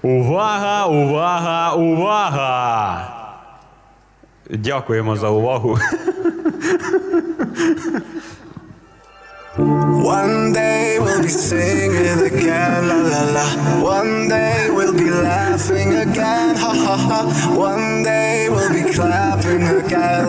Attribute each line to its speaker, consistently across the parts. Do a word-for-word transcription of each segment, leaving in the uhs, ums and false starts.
Speaker 1: Увага, увага, увага! Дякуємо за увагу.
Speaker 2: One day we'll be singing again, la la la. One day we'll be laughing again, ha ha ha. One day we'll be clapping again.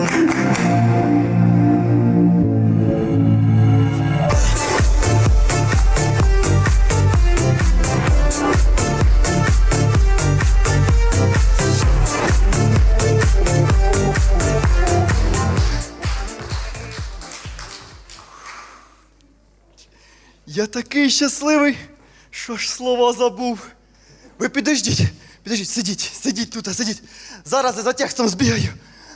Speaker 3: Я такий щасливий, що ж слова забув. Ви підождіть, підождіть, сидіть, сидіть тут, а сидіть. Зараз я за текстом збігаю.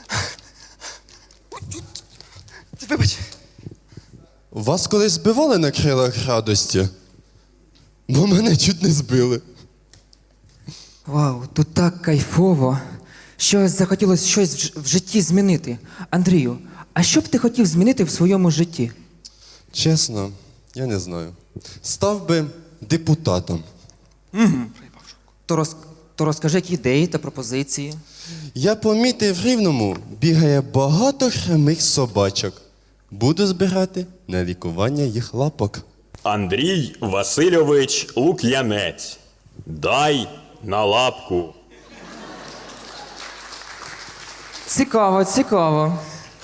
Speaker 3: Вибач.
Speaker 4: Вас колись збивали на крилах радості? Бо мене чуть не збили.
Speaker 5: Вау, тут так кайфово. Щось захотілося щось в ж- в житті змінити. Андрію, а що б ти хотів змінити в своєму житті?
Speaker 4: Чесно, я не знаю. Став би депутатом.
Speaker 5: То, роз... То розкажи, які ідеї та пропозиції.
Speaker 4: Я помітив в Рівному бігає багато хромих собачок. Буду збирати на лікування їх лапок.
Speaker 1: Андрій Васильович Лук'янець. Дай на лапку.
Speaker 5: Цікаво, цікаво.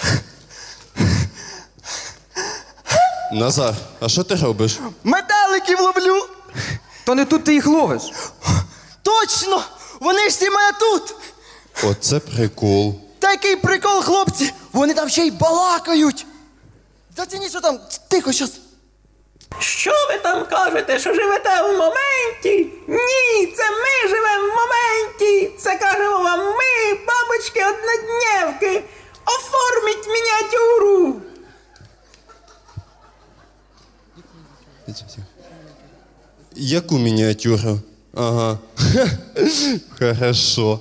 Speaker 4: Назар, а що ти робиш?
Speaker 3: Метеликів ловлю!
Speaker 5: То не тут ти їх ловиш.
Speaker 3: Точно! Вони ж всі мене тут!
Speaker 4: Оце прикол.
Speaker 3: Такий прикол, хлопці! Вони там ще й балакають! Зацініть, що там, тихо щас.
Speaker 6: Що ви там кажете, що живете в моменті? Ні, це ми живемо в моменті. Це кажемо вам ми, бабочки однодневки. Оформіть мініатюру.
Speaker 4: Яку мініатюру? Ага. Хорошо.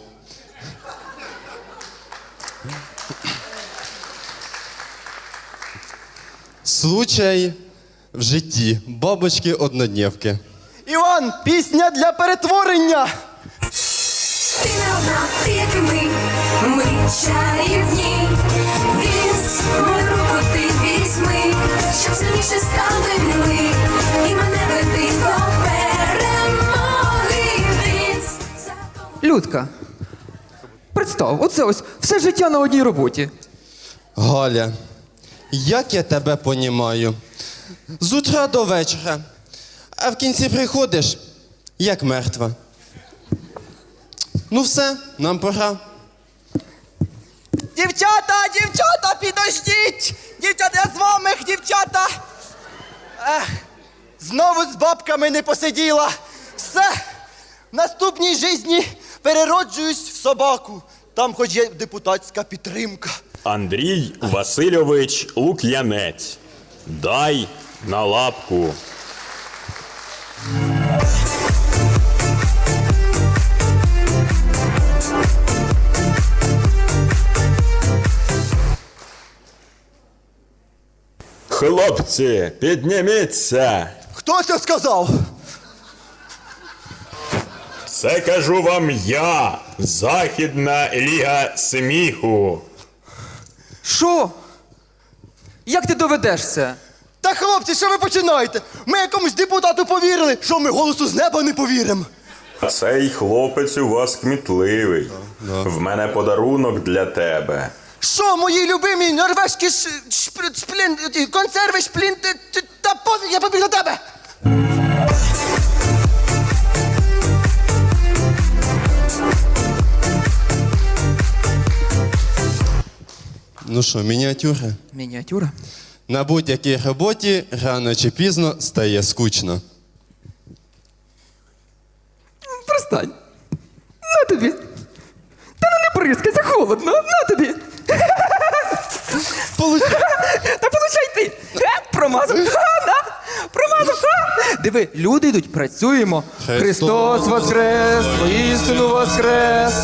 Speaker 4: Случай в житті. Бабочки однодневки.
Speaker 3: Іван, пісня для перетворення!
Speaker 7: Ти не одна, ти як і ми, ми чарівні. Віз, мою руку ти візьми, щоб сильніше стали ми, і мене веди до перемоги. Віз,
Speaker 5: Людка, представ, оце ось все життя на одній роботі.
Speaker 4: Галя, як я тебе понімаю? З утра до вечора, а в кінці приходиш, як мертва. Ну все, нам пора.
Speaker 3: Дівчата, дівчата, підождіть! Дівчата, я з вами, дівчата! Ех, знову з бабками не посиділа. Все, в наступній житті перероджуюсь в собаку. Там хоч є депутатська підтримка.
Speaker 1: Андрій Васильович Лук'янець. Дай на лапку. Хлопці, підніміться!
Speaker 3: Хто це сказав?
Speaker 1: Це кажу вам я, Західна ліга сміху.
Speaker 5: Що? Як ти доведеш це?
Speaker 3: Та хлопці, що ви починаєте? Ми якомусь депутату повірили, що ми голосу з неба не повіримо.
Speaker 1: Цей хлопець у вас кмітливий. В мене подарунок для тебе.
Speaker 3: Що, мої любимі норвезькі ш... шпр... шплін... ті, консерви, шплін... т- т- Та пофіг, я побіг до тебе!
Speaker 4: Ну що, мініатюра?
Speaker 5: Мініатюра?
Speaker 4: На будь-якій роботі рано чи пізно стає скучно.
Speaker 5: Перестань. На тобі. Та ну не бризкайся, холодно. На тобі.
Speaker 3: Получай.
Speaker 5: Та получай ти. Е, Промазав. Ха, на. Промазав. Ха. Диви, люди йдуть, працюємо.
Speaker 4: Христос
Speaker 5: Христос воскрес, воістину воскрес.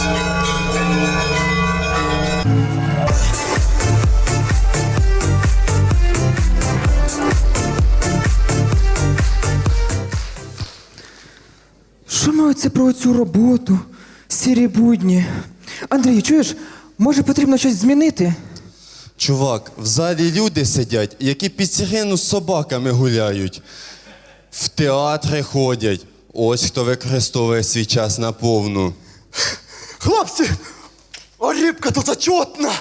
Speaker 5: Що ми Ну, це про цю роботу, сірі будні. Андрій, чуєш, може потрібно щось змінити?
Speaker 4: Чувак, в залі люди сидять, які під сирену з собаками гуляють. В театри ходять. Ось хто використовує свій час наповну.
Speaker 3: Хлопці, а рибка тут зачетна.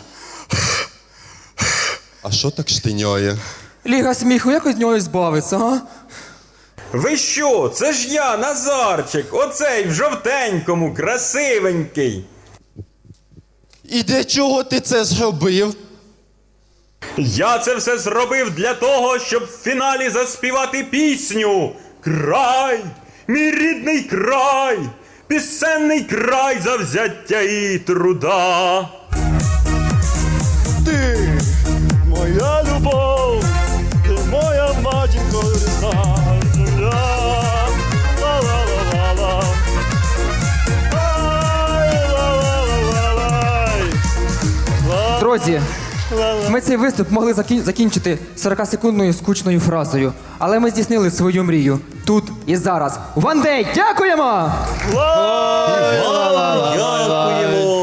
Speaker 4: А що так штиняє?
Speaker 5: Ліга сміху, як від нього збавитися, а?
Speaker 1: Ви що? Це ж я, Назарчик, оцей в жовтенькому, красивенький.
Speaker 4: І для чого ти це зробив?
Speaker 1: Я це все зробив для того, щоб в фіналі заспівати пісню. Край, мій рідний край, пісенний край завзяття і труда.
Speaker 3: Ти моя любов, ти моя матінко рідна земля. Ла-ла-ла-ла-ла. Ай-ла-ла-ла-ла-лай.
Speaker 5: Друзі, ми цей виступ могли закін- закінчити сорокасекундною скучною фразою, але ми здійснили свою мрію тут і зараз. One Day! Дякуємо!
Speaker 1: Дякуємо!